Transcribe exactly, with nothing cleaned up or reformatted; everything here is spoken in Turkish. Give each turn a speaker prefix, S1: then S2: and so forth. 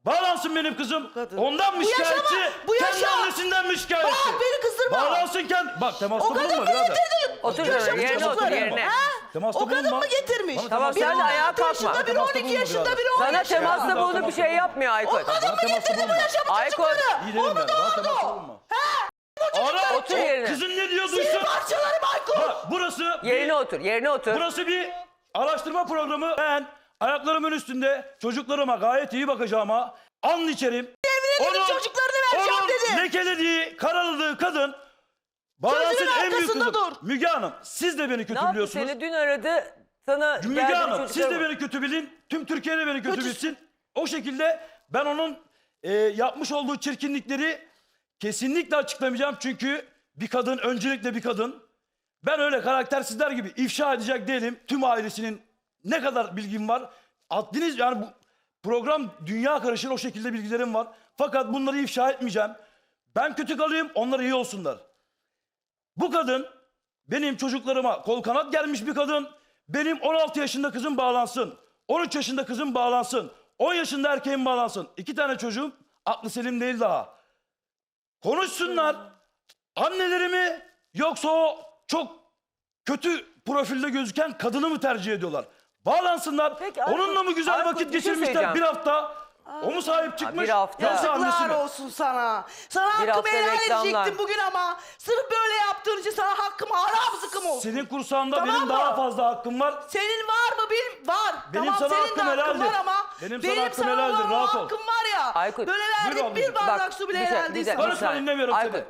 S1: Bağlansın benim kızım.
S2: Kadın.
S1: Ondan mı
S2: Bu yaşama,
S1: şikayetçi?
S2: bu
S1: Kendi
S2: yaşa.
S1: annesinden mi şikayetçi?
S2: Bak beni kızdırma.
S1: Bağlansın kendi. Bak temasta
S2: O kadın
S1: bulunma
S2: mı
S1: birader.
S2: getirdi?
S3: Otur
S2: Yaşamış
S3: şöyle, yerine otur,
S2: çocukları.
S3: yerine.
S2: Ha?
S1: Temasta
S2: O kadın
S1: bulunma.
S2: mı getirmiş?
S1: Bana
S3: Tamam,
S1: temasta
S3: sen de
S1: bulunma.
S3: ayağa
S2: altı yaşında,
S3: kalkma.
S2: biri
S1: Temasta
S2: on iki
S1: bulunma
S2: yaşında,
S1: birader.
S2: biri on
S3: Sana
S2: yaşında.
S3: temasla
S1: Temasta
S3: bunu bir şey
S1: bulunma.
S3: yapmıyor Aykut.
S2: O kadın mı
S1: temasta
S2: getirdi bu
S1: bulunma.
S2: yaşamış
S3: Aykut.
S2: çocukları?
S1: İyi derim
S2: O mu
S1: ben. Bana temasta
S2: doğurdu?
S1: bulunma.
S2: Ara.
S3: Otur yerine.
S1: Kızın ne diyor
S2: Senin
S1: duysun.
S2: parçalarım Aykut.
S1: Bak burası
S3: Yerine
S1: bir,
S3: otur, yerine otur.
S1: burası bir araştırma programı. Ben ayaklarımın üstünde çocuklarıma gayet iyi bakacağıma an içerim.
S2: Evine gidip çocuklarını vereceğim
S1: onun
S2: dedi.
S1: lekelediği, karaladığı kadın bağlansın
S2: Sözünün
S1: en büyük
S2: arkasında
S1: kızım.
S2: dur.
S1: Müge Hanım siz de beni
S3: Ne yaptı
S1: kötülüyorsunuz.
S3: seni? Dün aradı. Sana
S1: Müge
S3: geldi
S1: Hanım siz de
S3: çocuklarım.
S1: beni kötü bilin. Tüm Türkiye de beni kötü
S2: Kötü-
S1: bilsin. O şekilde ben onun e, yapmış olduğu çirkinlikleri kesinlikle açıklamayacağım. Çünkü bir kadın öncelikle bir kadın. Ben öyle karaktersizler gibi ifşa edecek değilim. Tüm ailesinin ne kadar bilgim var. Adliniz yani bu program dünya karışır o şekilde bilgilerim var. Fakat bunları ifşa etmeyeceğim. Ben kötü kalayım onlar iyi olsunlar. Bu kadın benim çocuklarıma kol kanat gelmiş bir kadın. Benim on altı yaşında kızım bağlansın. on üç yaşında kızım bağlansın. on yaşında erkeğim bağlansın. İki tane çocuğum aklı selim değil daha. Konuşsunlar. Anneleri mi yoksa o çok kötü profilde gözüken kadını mı tercih ediyorlar? Bağlansınlar.
S3: Peki, Aykut-
S1: Onunla mı güzel
S3: Aykut,
S1: vakit
S3: bir şey
S1: geçirmişler
S3: söyleyeceğim.
S1: bir hafta? O mu sahip çıkmış?
S3: bir hafta.
S1: Yoksa annesi
S2: Yazıklar
S1: mi?
S2: olsun sana. Sana
S3: Bir
S2: hakkımı
S3: hafta
S2: helal
S3: reklamlar.
S2: edecektim bugün ama sırf böyle yaptığın için sana hakkımı haram zıkkım olsun.
S1: Senin kursağında
S2: Tamam
S1: benim
S2: mı?
S1: daha fazla hakkım var.
S2: Senin var mı? Benim var.
S1: Benim
S2: tamam
S1: sana
S2: senin
S1: hakkım
S2: de hakkın
S1: helaldir.
S2: var ama
S1: Benim
S2: benim,
S1: sana hakkım
S2: sana
S1: helaldir,
S2: olan
S1: rahat ol.
S2: hakkım var ya.
S3: Aykut,
S2: Böyle
S1: buyur
S2: verdik
S1: ablacığım.
S2: bir bardak
S3: Bak,
S2: su bile
S3: bir şey-
S2: helal
S3: bir
S2: değil
S3: de-
S2: sana.
S1: Konuşma,
S3: bir saniye.
S1: dinlemiyorum
S3: Aykut,
S1: seni.